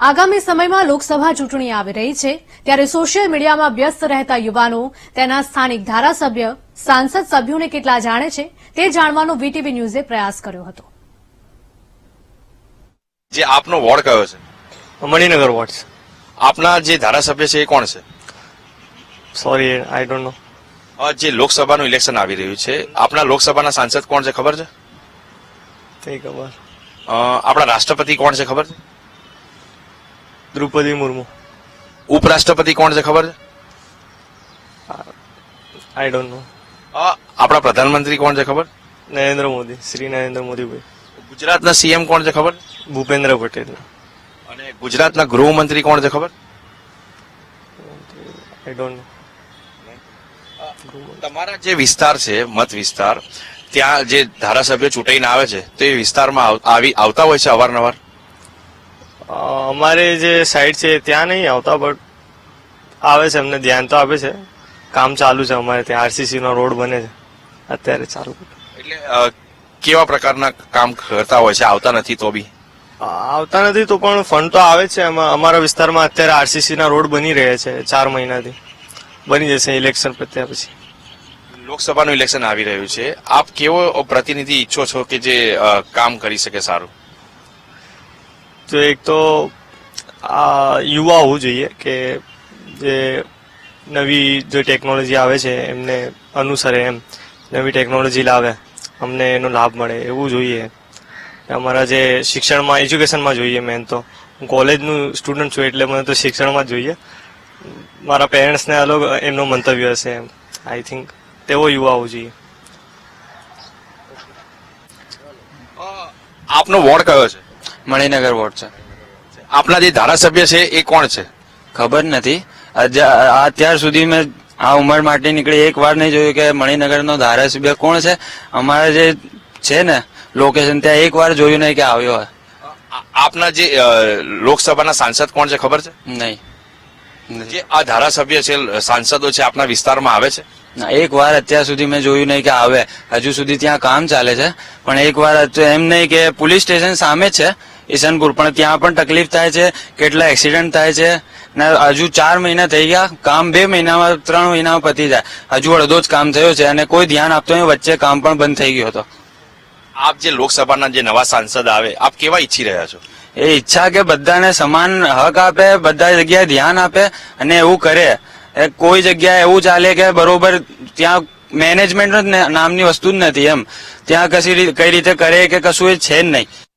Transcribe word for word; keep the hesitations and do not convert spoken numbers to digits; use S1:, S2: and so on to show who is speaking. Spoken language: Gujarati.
S1: આગામી સમયમાં લોકસભા ચૂંટણી આવી રહી છે ત્યારે સોશિયલ મીડિયામાં વ્યસ્ત રહેતા યુવાનો તેના સ્થાનિક ધારાસભ્ય સાંસદ સભ્યોને કેટલા જાણે છે તે જાણવાનો વીટીવી ન્યૂઝે પ્રયાસ કર્યો હતો.
S2: જે આપનો વોર્ડ કયો છે?
S3: મણિનગર વોર્ડ.
S2: આપના જે ધારાસભ્ય છે એ કોણ છે?
S3: Sorry, I don't know.
S2: જે લોકસભાનું ઇલેક્શન આવી રહ્યું છે, આપના લોકસભાના સાંસદ કોણ છે ખબર છે?
S3: નહીં ખબર.
S2: અ, આપણા રાષ્ટ્રપતિ કોણ છે ખબર છે?
S3: દ્રૌપદી મુર્મુ.
S2: ઉપરાષ્ટ્રપતિ કોણ છે ખબર છે?
S3: આઈ ડોન્ટ નો.
S2: અ, આપણા પ્રધાનમંત્રી કોણ છે ખબર?
S3: નરેન્દ્ર મોદી, શ્રી નરેન્દ્ર મોદીભાઈ.
S2: ગુજરાતના સીએમ કોણ છે ખબર?
S3: ભૂપેન્દ્ર પટેલ.
S2: અને ગુજરાતના ગૃહમંત્રી કોણ છે ખબર?
S3: I don't know.
S2: તમારા જે વિસ્તાર છે, મત વિસ્તાર, ત્યાં જે ધારાસભ્ય ચૂંટાઈને આવે છે તો એ વિસ્તારમાં આવ- આવી આવતા હોય છે અવારનવાર?
S3: અ, અમારે જે સાઈડ છે ત્યાં નહીં આવતા, બટ આવે છે, અમને ધ્યાન તો આપે છે. કામ ચાલુ છે અમારે ત્યાં, આરસીસી નો રોડ બને છે અત્યારે ચાલુ.
S2: એટલે અ, કેવા પ્રકારના કામ કરતા હોય છે? આવતા નથી તો બી?
S3: આવતા નથી તો પણ ફંડ તો આવે છે. એમાં અમારા વિસ્તારમાં અત્યારે આરસીસી ના રોડ બની રહ્યા છે, ચાર મહિનાથી બની જશે ઇલેક્શન પત્યા પછી.
S2: લોકસભાનું ઇલેક્શન આવી રહ્યું છે, આપ કેવો પ્રતિનિધિ ઈચ્છો છો કે જે અ, કામ કરી શકે સારું?
S3: તો એક તો આ યુવા હોવું જોઈએ કે જે નવી જે ટેકનોલોજી આવે છે એમને અનુસરે, એમ નવી ટેકનોલોજી લાવે, અમને એનો લાભ મળે એવું જોઈએ. અમારા જે શિક્ષણમાં, એજ્યુકેશનમાં જોઈએ. મેન તો હું કોલેજનું સ્ટુડન્ટ છું એટલે મને તો શિક્ષણમાં જ જોઈએ. મારા પેરેન્ટ્સને અલગ એમનો મંતવ્ય હશે, એમ આઈ થિંક તેવો યુવા હોવું જોઈએ.
S2: આપનો વોર્ડ કયો છે?
S4: મણિનગર વોર્ડ છે.
S2: આપના જે ધારાસભ્ય છે એ કોણ છે?
S4: ખબર નથી. અજ- અત્યાર સુધી મેં આ ઉંમર માટે નીકળી એક વાર નહીં જોયું કે મણિનગરનો ધારાસભ્ય કોણ છે. અમારા જે છે ને લોકેશન ત્યાં એક વાર જોયું નહીં કે આવ્યો હોય.
S2: આ- આપના જે અ, લોકસભાના સાંસદ કોણ છે ખબર છે?
S4: નહીં.
S2: જે આ ધારાસભ્ય છે, સાંસદો છે, આપના વિસ્તારમાં આવે છે?
S4: ના, એક વાર અત્યાર સુધી મેં જોયું નહીં કે આવે. હજુ સુધી ત્યાં કામ ચાલે છે, પણ એક વાર અત્યારે એમ નહીં કે પોલીસ સ્ટેશન સામે જ છે ઈશનપુર, પણ ત્યાં પણ તકલીફ થાય છે, કેટલા એક્સિડન્ટ થાય છે. ને હજુ ચાર મહિના થઈ ગયા, કામ બે મહિનામાં ત્રણ મહિનામાં પતી જાય, હજુ અડધો જ કામ થયો છે અને કોઈ ધ્યાન આપતો નહીં. વચ્ચે કામ પણ બંધ થઈ ગયો હતો.
S2: આપ જે લોકસભાના જે નવા સાંસદ આવે, આપ કેવા ઈચ્છી રહ્યા છો?
S4: એ ઈચ્છા કે બધાને સમાન હક આપે, બધા જગ્યાએ ધ્યાન આપે અને એવું કરે. એ કોઈ જગ્યાએ એવું ચાલે કે બરોબર ત્યાં મેનેજમેન્ટ નામની વસ્તુ જ નથી, એમ ત્યાં કશી રી- કઈ રીતે કરે કે કશું એ છે જ નહીં.